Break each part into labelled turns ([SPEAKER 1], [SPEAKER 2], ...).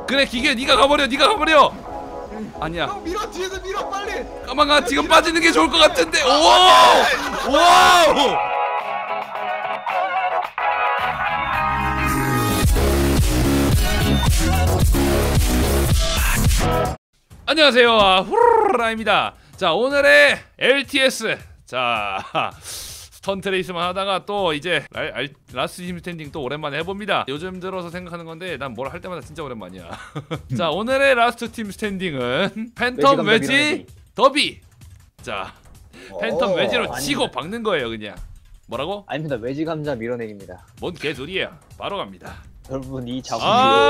[SPEAKER 1] 그래 기계 네가 가버려 네가 가버려. 아니야.
[SPEAKER 2] 형 밀어 뒤에서 밀어 빨리.
[SPEAKER 1] 까망아 지금 빠지는 게 좋을 것 같은데. 오! 와우! 안녕하세요. 후루라입니다. 자 오늘의 LTS. 자 스턴트 레이스만 하다가 또 이제 라스트 팀 스탠딩 또 오랜만에 해봅니다. 요즘 들어서 생각하는 건데 난 뭘 할 때마다 진짜 오랜만이야. 자 오늘의 라스트 팀 스탠딩은 팬텀 웨지 더비. 자 팬텀 웨지로
[SPEAKER 3] 아닙니다.
[SPEAKER 1] 치고 박는 거예요 그냥. 뭐라고?
[SPEAKER 3] 아닙니다. 외지 감자 밀어내기입니다.
[SPEAKER 1] 뭔 개소리야. 바로 갑니다.
[SPEAKER 3] 여러분 이 작품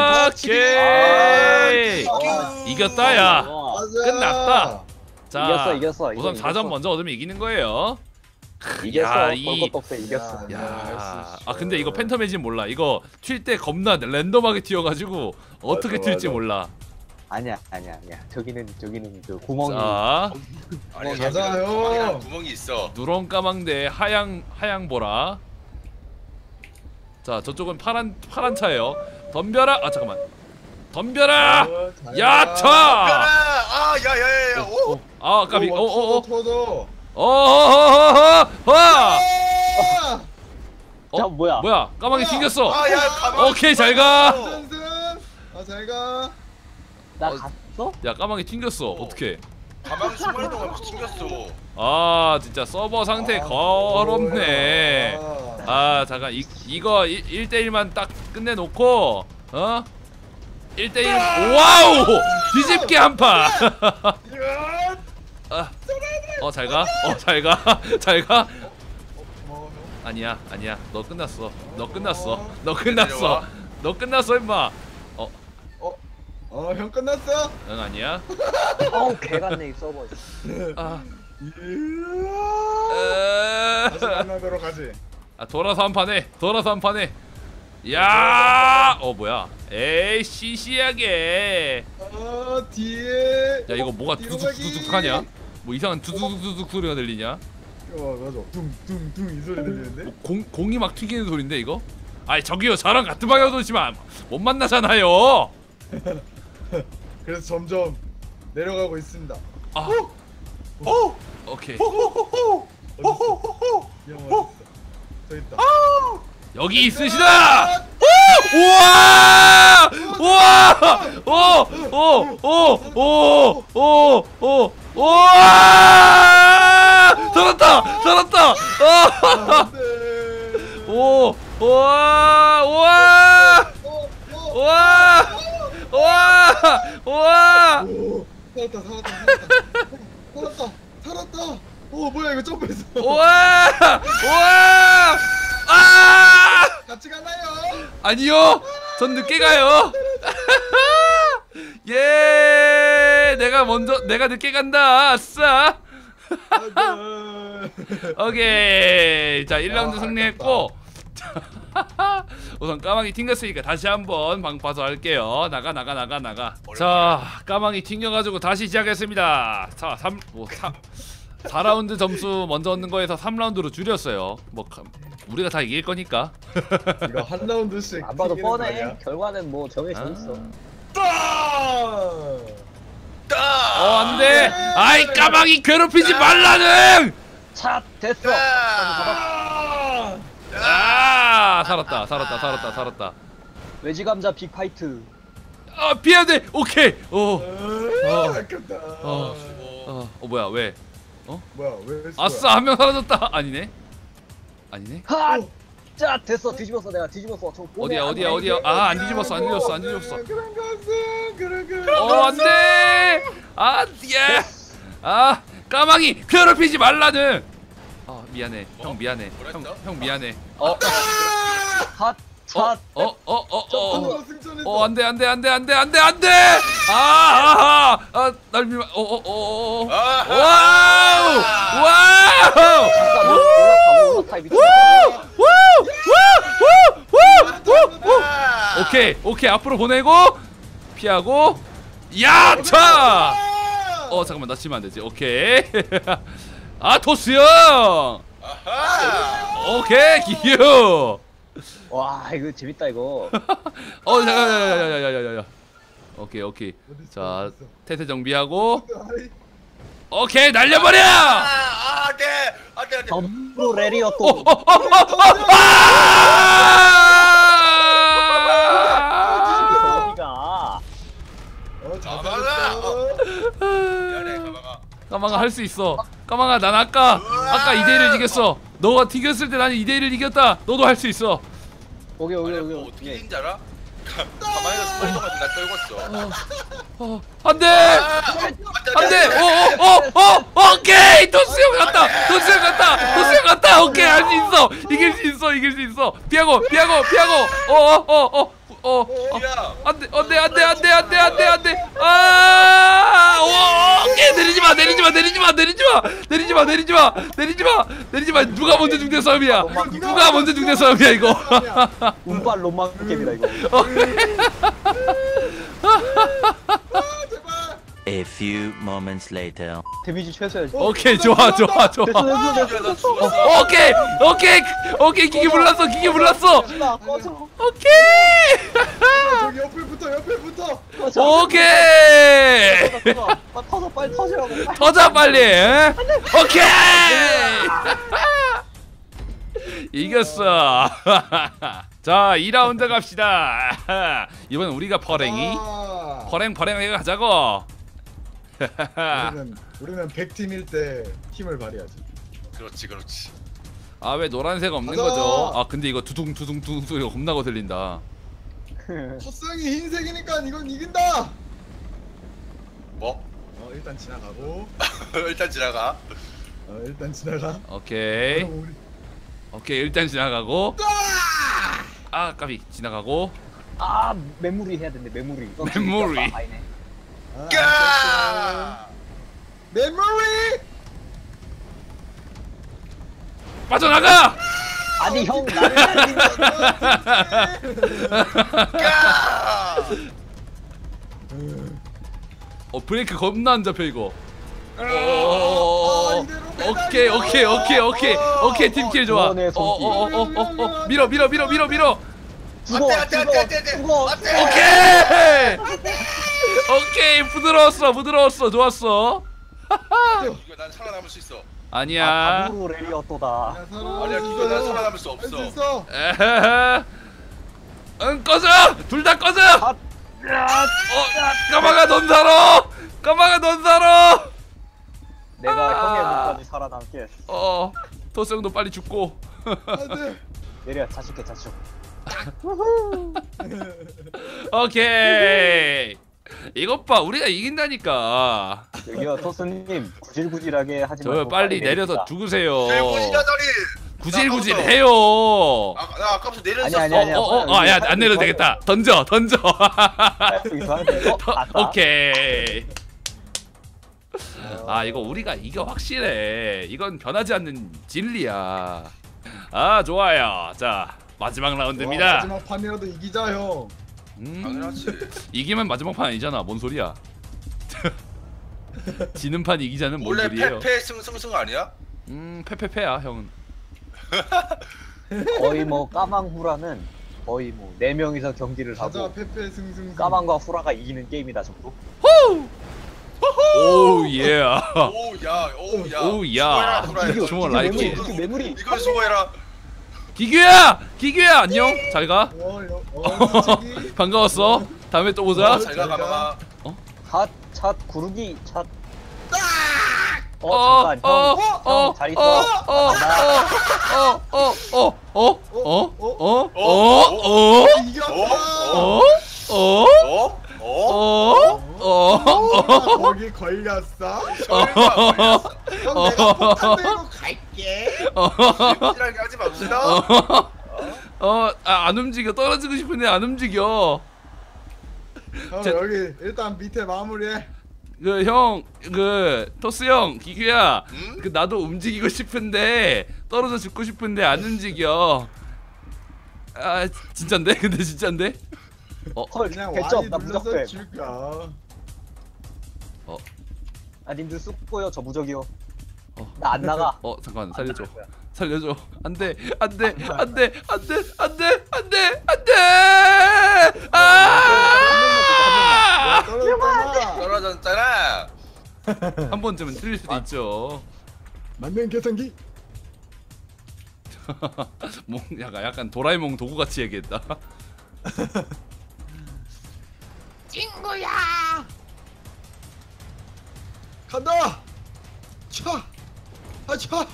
[SPEAKER 1] 오케이 이겼다 야. 끝났다. 자
[SPEAKER 3] 이겼어.
[SPEAKER 1] 우선 4점 먼저 얻으면 이기는 거예요.
[SPEAKER 3] 이겼어.
[SPEAKER 1] 이-
[SPEAKER 3] 볼것도 없어. 이겼어.
[SPEAKER 1] 야, 아 근데 이거 팬텀 웨지는 몰라. 이거 튈 때 겁나 랜덤하게 튀어가지고 어떻게
[SPEAKER 2] 맞아,
[SPEAKER 1] 튈지
[SPEAKER 2] 맞아.
[SPEAKER 1] 몰라.
[SPEAKER 3] 아니야. 저기는 그 구멍이.
[SPEAKER 1] 자
[SPEAKER 4] 아니
[SPEAKER 2] 맞아요.
[SPEAKER 4] 구멍이 있어.
[SPEAKER 1] 누런 까망대 하양 보라. 자 저쪽은 파란 차예요. 덤벼라. 아 잠깐만. 덤벼라. 야차.
[SPEAKER 4] 아, 야야야야. 오.
[SPEAKER 1] 아 까비. 오오오.
[SPEAKER 2] 터져.
[SPEAKER 1] 어허허허.
[SPEAKER 3] 자 뭐야?
[SPEAKER 1] 뭐야? 까망이 튕겼어.
[SPEAKER 4] 아, 야, 가만.
[SPEAKER 1] 오케이 잘 가.
[SPEAKER 2] 전승. 잘 가.
[SPEAKER 3] 나 갔어?
[SPEAKER 1] 야 까망이 튕겼어. 어떻게?
[SPEAKER 4] 가방 수많이 동안 튕겼어.
[SPEAKER 1] 아 진짜 서버 상태 더럽네. 아 잠깐 이거 1대1만 딱 끝내놓고 1대1 와우 뒤집기 한파. 잘가 잘가 아니야 너 끝났어 임마.
[SPEAKER 2] 형 끝났어?
[SPEAKER 1] 응 아니야.
[SPEAKER 3] 어우 개 같네 이 서버.
[SPEAKER 1] 아
[SPEAKER 2] 다시 만나도록 하지.
[SPEAKER 1] 돌아서 한 판에 야 뭐야 에이 시시하게.
[SPEAKER 2] 뒤에.
[SPEAKER 1] 야 이거 뭐가 두둑두둑 하냐? 뭐 이상한 두둑두둑 소리가 들리냐?
[SPEAKER 2] 맞아. 둥둥둥 이 소리 들리는데?
[SPEAKER 1] 공이 막 튀기는 소린데 이거? 아이 저기요 저랑 같은 방향으로 오시면 못 만나잖아요.
[SPEAKER 2] 그래서 점점 내려가고 있습니다.
[SPEAKER 1] 오케이
[SPEAKER 2] 어딨어? 저 있다.
[SPEAKER 1] 여기 있으시다. 우와 우와 살았다.
[SPEAKER 2] 안돼.
[SPEAKER 1] 우와
[SPEAKER 2] 오, 살았다. 오 뭐야 이거 점프했어. 같이 가나요?
[SPEAKER 1] 아니요 전 늦게 가요. 예 내가 늦게 간다. 아싸. 오케이 자 1라운드 승리했고 우선 까망이 튕겼으니까 다시 한번 방파서 할게요. 나가. 자 까망이 튕겨가지고 다시 시작했습니다. 자 4라운드 점수 먼저 얻는 거에서 3라운드로 줄였어요. 뭐 우리가 다 이길 거니까.
[SPEAKER 2] 이거 한 라운드씩
[SPEAKER 3] 안 봐도
[SPEAKER 2] 튀기는 거
[SPEAKER 3] 뻔해.
[SPEAKER 2] 아니야?
[SPEAKER 3] 결과는 뭐 정해져 있어.
[SPEAKER 1] 안돼. 아이 까망이 괴롭히지 말라는.
[SPEAKER 3] 차 됐어.
[SPEAKER 1] 살았다.
[SPEAKER 3] 외지 감자 빅 파이트.
[SPEAKER 1] 피해야 돼. 오케이.
[SPEAKER 2] 아깝다.
[SPEAKER 1] 뭐야 왜?
[SPEAKER 2] 뭐야 왜?
[SPEAKER 1] 아싸 한 명 사라졌다. 아니네.
[SPEAKER 3] 하! 자 됐어. 뒤집었어 내가 뒤집었어. 저 보내.
[SPEAKER 1] 어디야? 안 뒤집었어.
[SPEAKER 2] 그런 것은.
[SPEAKER 1] 안돼. 예. 까망이 괴롭히지 말라는. 미안해. 형 미안해. 형 미안해.
[SPEAKER 3] 핫. 차.
[SPEAKER 1] 안돼. 날 밀마. 와우.
[SPEAKER 3] 올라타 미친.
[SPEAKER 1] 오케이 앞으로 보내고 피하고 야차. 잠깐만 나 치면 안 되지. 오케이. 토스 형. 오케이 기유.
[SPEAKER 3] 와 이거 재밌다 이거.
[SPEAKER 1] 야야야야야야야야. 오케이 오케이.
[SPEAKER 2] 어디 있어,
[SPEAKER 1] 자
[SPEAKER 2] 어디 있어?
[SPEAKER 1] 태세 정비하고.
[SPEAKER 2] 아이,
[SPEAKER 1] 오케이 날려버려.
[SPEAKER 4] 안돼 안돼 안돼.
[SPEAKER 3] 전부 레리어 또. 어디가?
[SPEAKER 4] 미안해 가방아.
[SPEAKER 1] 까망아 할 수 있어. 까망아 난 아까 2대1을 이겼어. 너가 튕겼을 때 나는 2대1을 이겼다. 너도 할 수 있어.
[SPEAKER 3] 오케이 오케이
[SPEAKER 4] 뭐
[SPEAKER 3] 오케이.
[SPEAKER 4] 어떻게 된지 알아? 가만히 스파이더가 나 떨궜어.
[SPEAKER 1] 안돼. 안돼. 오케이. 토스 형 갔다. 토스 형 갔다. 토스 형 갔다. 오케이 할 수 있어. 이길 수 있어. 이길 수 있어. 피하고.
[SPEAKER 4] 야.
[SPEAKER 1] 안돼. 오케이 내리지 마. 누가 먼저 죽는 싸움이야. 누가 먼저 죽는 싸움이야 이거.
[SPEAKER 3] 운빨 롬망 게임이다 이거.
[SPEAKER 5] A few moments later.
[SPEAKER 3] 데미지 최소야.
[SPEAKER 1] 오케이 좋아.
[SPEAKER 3] 됐어.
[SPEAKER 1] 오케이 기계 불났어.
[SPEAKER 3] 꺼져.
[SPEAKER 1] 오케이.
[SPEAKER 2] 저기 옆에 붙어.
[SPEAKER 1] 오케이.
[SPEAKER 3] 터져 빨리 터지라고.
[SPEAKER 1] 터져 빨리. 오케이. 이겼어. 자 2라운드 갑시다. 이번엔 우리가 퍼랭이. 퍼랭 해가자고.
[SPEAKER 2] 우리는 100팀일 때 힘을 발휘하지.
[SPEAKER 4] 그렇지.
[SPEAKER 1] 아 왜 노란색 없는
[SPEAKER 2] 가자.
[SPEAKER 1] 거죠? 아 근데 이거 두둥 소리가 겁나고 들린다.
[SPEAKER 2] 토스형이 흰색이니까 이건 이긴다.
[SPEAKER 4] 뭐?
[SPEAKER 2] 일단 지나가고.
[SPEAKER 4] 일단 지나가.
[SPEAKER 2] 일단 지나가.
[SPEAKER 1] 오케이.
[SPEAKER 2] 그럼 우리
[SPEAKER 1] 오케이 일단 지나가고. 아 까비 지나가고.
[SPEAKER 3] 아 메모리 해야 된대 메모리.
[SPEAKER 1] 메모리.
[SPEAKER 4] 까!
[SPEAKER 2] 메모리.
[SPEAKER 1] 빠져나가.
[SPEAKER 3] 아니 형 나를
[SPEAKER 4] 까!
[SPEAKER 1] 브레이크 겁나 안 잡혀 이거. 오케이 팀킬 좋아.
[SPEAKER 3] 이번에 손길.
[SPEAKER 1] 밀어.
[SPEAKER 3] 죽어.
[SPEAKER 1] 오케이 부드러웠어 좋았어.
[SPEAKER 4] 이거 난 살아남을 수 있어.
[SPEAKER 1] 아니야.
[SPEAKER 3] 아무로 레리어 또다.
[SPEAKER 4] 아니야 이거 난 살아남을 수 없어.
[SPEAKER 1] 에헤. 응 꺼져. 둘 다 꺼져. 까마가 넌 살아.
[SPEAKER 3] 내가 형의 목까지 살아남게.
[SPEAKER 1] 토스형도 빨리 죽고.
[SPEAKER 2] 안돼.
[SPEAKER 3] 내려 자축해 자축.
[SPEAKER 1] 오케이. 이것 봐 우리가 이긴다니까.
[SPEAKER 3] 여기요 토스님 구질구질하게 하지
[SPEAKER 1] 저
[SPEAKER 3] 말고
[SPEAKER 1] 빨리 내려서
[SPEAKER 3] 내립시다.
[SPEAKER 1] 죽으세요.
[SPEAKER 4] 대구지자다리.
[SPEAKER 1] 구질구질해요.
[SPEAKER 4] 나 아까부터 내렸었어.
[SPEAKER 3] 아니야.
[SPEAKER 1] 야 안 내려도 되겠다. 던져.
[SPEAKER 3] 여기서 하는데 아싸.
[SPEAKER 1] 오케이. 아 이거 우리가 이겨 확실해. 이건 변하지 않는 진리야. 아 좋아요. 자 마지막 라운드입니다.
[SPEAKER 2] 마지막 판이라도 이기자 형.
[SPEAKER 4] 당연하지.
[SPEAKER 1] 이기면 마지막 판 아니잖아. 뭔 소리야? 지는 판 이기자는 뭔
[SPEAKER 4] 원래
[SPEAKER 1] 소리예요?
[SPEAKER 4] 패패 승승승 아니야?
[SPEAKER 1] 패패패야 형은.
[SPEAKER 3] 거의 뭐 까망 후라는 거의 뭐 4명이서 경기를
[SPEAKER 2] 가자
[SPEAKER 3] 하고
[SPEAKER 2] 페페 승승.
[SPEAKER 3] 까망과 후라가 이기는 게임이다 정도.
[SPEAKER 1] 오 예.
[SPEAKER 4] 오야.
[SPEAKER 1] 오야.
[SPEAKER 4] 수고해라,
[SPEAKER 1] 좋아 라이크.
[SPEAKER 3] 이게 메모리.
[SPEAKER 4] 이걸 수고해라.
[SPEAKER 1] 기규야 안녕. 잘 가.
[SPEAKER 2] 솔직히.
[SPEAKER 1] 반가웠어. 다음에 또 보자.
[SPEAKER 4] 잘가 가봐가.
[SPEAKER 3] 차 구르기 차. 잠깐 형 잘 있어.
[SPEAKER 2] 이겼다. 거기 걸렸어. 형 내가 폭탄 들고 갈게.
[SPEAKER 4] 이라게 하지 맙시다.
[SPEAKER 1] 안 움직여. 떨어지고 싶은데 안 움직여.
[SPEAKER 2] 형
[SPEAKER 1] 제-
[SPEAKER 2] 여기 일단 밑에 마무리해.
[SPEAKER 1] 토스 형, 기규야.
[SPEAKER 4] 응?
[SPEAKER 1] 나도 움직이고 싶은데 떨어져 죽고 싶은데 안 움직여. 아 진짠데? 근데 진짠데?
[SPEAKER 3] 헐
[SPEAKER 2] 그냥
[SPEAKER 3] 개점
[SPEAKER 2] Y
[SPEAKER 3] 나
[SPEAKER 2] 눌러서
[SPEAKER 3] 무적배.
[SPEAKER 2] 줄까.
[SPEAKER 3] 아 님들 쑥고요 저 무적이요. 나 안 나가.
[SPEAKER 1] 잠깐
[SPEAKER 3] 안
[SPEAKER 1] 살려줘.
[SPEAKER 3] 나갈 거야.
[SPEAKER 1] 살려줘. 안돼. 아! 한 번쯤은 틀릴 수도 있죠.
[SPEAKER 2] 맞는 계산기.
[SPEAKER 1] 뭐 약간 도라에몽 도구 같이 얘기했다.
[SPEAKER 2] 친구야. 간다. 차. 아 차.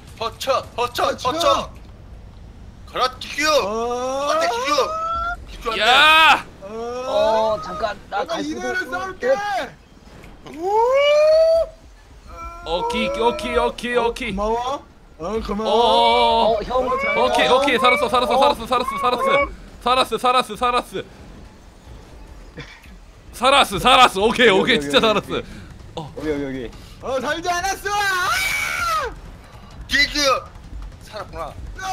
[SPEAKER 4] 허쳐. 가라 기규. 안돼 기규.
[SPEAKER 1] 야!
[SPEAKER 3] 잠깐 나
[SPEAKER 2] 내가
[SPEAKER 3] 갈 수도
[SPEAKER 2] 이대로
[SPEAKER 3] 없고.
[SPEAKER 2] 싸울게.
[SPEAKER 1] 오키.
[SPEAKER 2] 고마워. 고마워.
[SPEAKER 3] 형.
[SPEAKER 1] 오케이 살았어. 오케이 진짜 살았어.
[SPEAKER 3] 여기.
[SPEAKER 2] 살지 않았어.
[SPEAKER 4] 기규 살았구나.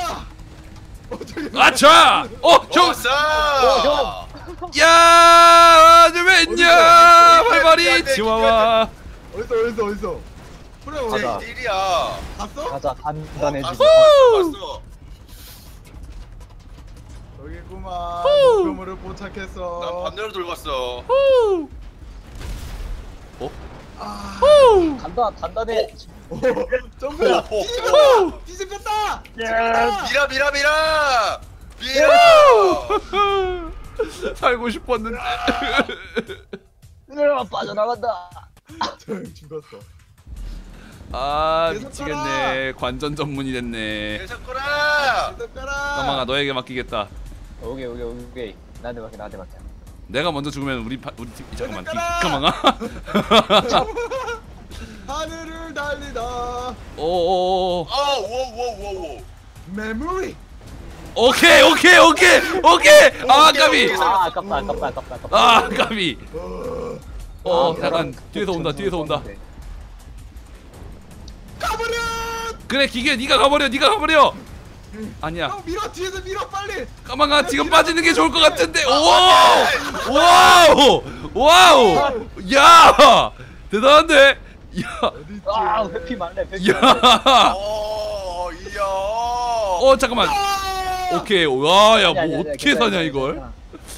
[SPEAKER 1] 아차! 형!
[SPEAKER 4] 왔어.
[SPEAKER 1] 야! 왜냐? 발발이
[SPEAKER 4] 안 돼,
[SPEAKER 1] 치와와.
[SPEAKER 2] 어딨어? 그래
[SPEAKER 3] 가자.
[SPEAKER 2] 어디?
[SPEAKER 4] 일이야.
[SPEAKER 2] 갔어?
[SPEAKER 3] 가자 단단해지고.
[SPEAKER 4] 갔어.
[SPEAKER 2] 여기구만.
[SPEAKER 1] 후.
[SPEAKER 2] 목표물을
[SPEAKER 4] 난
[SPEAKER 2] 포착했어.
[SPEAKER 4] 반대로 돌고 갔어.
[SPEAKER 3] 간다 단단해.
[SPEAKER 2] 점프야.
[SPEAKER 4] 오.
[SPEAKER 2] 뒤집혔다.
[SPEAKER 4] 밀어.
[SPEAKER 1] 살고 싶었는데.
[SPEAKER 3] 빠져나간다.
[SPEAKER 2] 죽었어.
[SPEAKER 1] 아
[SPEAKER 2] 계속
[SPEAKER 1] 미치겠네. 관전 전문이 됐네.
[SPEAKER 4] 계속 거라.
[SPEAKER 1] 까망아 너에게 맡기겠다.
[SPEAKER 3] 오케이. 나한테 맡겨.
[SPEAKER 1] 내가 먼저 죽으면 우리 팀 잠깐만.
[SPEAKER 2] 계속
[SPEAKER 1] 까망아.
[SPEAKER 2] 하늘을 달리다.
[SPEAKER 1] 오오오.
[SPEAKER 4] 오.
[SPEAKER 2] 메모리.
[SPEAKER 1] 오케이. 아 까비.
[SPEAKER 3] 아깝다.
[SPEAKER 1] 아 까비. 잠깐
[SPEAKER 3] 벼랑
[SPEAKER 1] 뒤에서 온다.
[SPEAKER 2] 가버려.
[SPEAKER 1] 그래 기계 네가 가버려. 아니야.
[SPEAKER 2] 형 밀어 뒤에서 밀어 빨리.
[SPEAKER 1] 까망아 지금 빠지는 게 좋을 것 같은데. 와우. 야 대단한데. 야.
[SPEAKER 2] 어딨지?
[SPEAKER 3] 회피 말래.
[SPEAKER 1] 야.
[SPEAKER 4] 이야.
[SPEAKER 1] 잠깐만. 오케이. 와야 뭐
[SPEAKER 3] 아니야,
[SPEAKER 1] 어떻게
[SPEAKER 3] 괜찮아,
[SPEAKER 1] 사냐 이걸.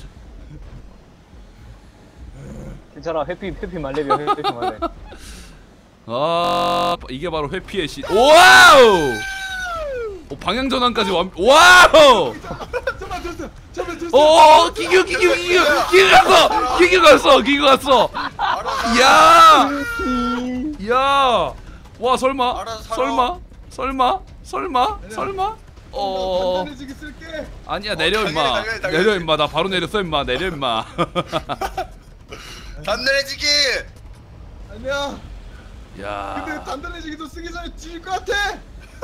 [SPEAKER 3] 괜찮아. 회피 말래비야. 회피 말래.
[SPEAKER 1] 아 이게 바로 회피의 시. 와우. 방향 전환까지 와우.
[SPEAKER 2] 잠깐만 됐어.
[SPEAKER 1] 기규 갔어. 야. 와 설마.
[SPEAKER 4] 알아서
[SPEAKER 1] 설마.
[SPEAKER 2] 단단해지게 쓸게.
[SPEAKER 1] 아니야 내려 임마.
[SPEAKER 4] 당연히.
[SPEAKER 1] 내려 임마. 나 바로 내렸어 임마. 내려 임마.
[SPEAKER 4] 단단해지기.
[SPEAKER 2] 아니야. 근데
[SPEAKER 1] 야.
[SPEAKER 2] 단단해지기도 쓰기 전에 뒤질 것 같아.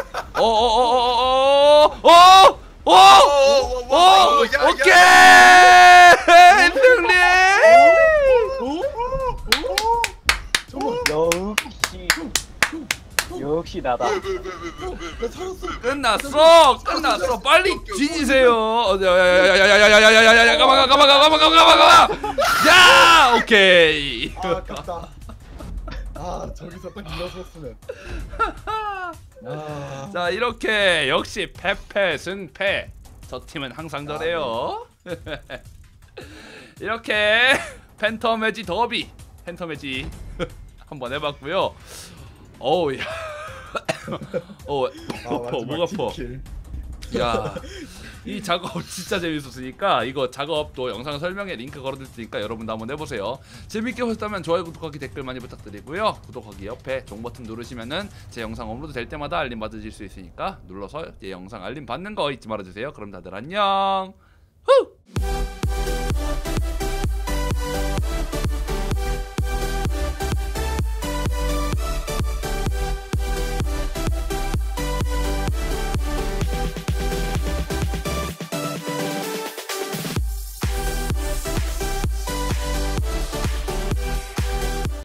[SPEAKER 1] 오케이. 승리.
[SPEAKER 3] 역시 나다.
[SPEAKER 2] 나 살았어.
[SPEAKER 1] 끝났어. 빨리 뒤지세요. 야야야야야야야야야야야. 가만. 야, 오케이.
[SPEAKER 2] 아 아깝다. 저기서 딱 밀어섰으면.
[SPEAKER 1] 자, 이렇게 역시 패패 승패. 저 팀은 항상 저래요. 이렇게 팬텀 매지 더비, 팬텀 매지 한번 해봤고요. 어우 야, 목 아파. 야, 이 작업 진짜 재밌었으니까 이거 작업도 영상 설명에 링크 걸어둘 테니까 여러분도 한번 해보세요. 재밌게 보셨다면 좋아요, 구독하기, 댓글 많이 부탁드리고요. 구독하기 옆에 종 버튼 누르시면은 제 영상 업로드 될 때마다 알림 받으실 수 있으니까 눌러서 제 영상 알림 받는 거 잊지 말아주세요. 그럼 다들 안녕. 후!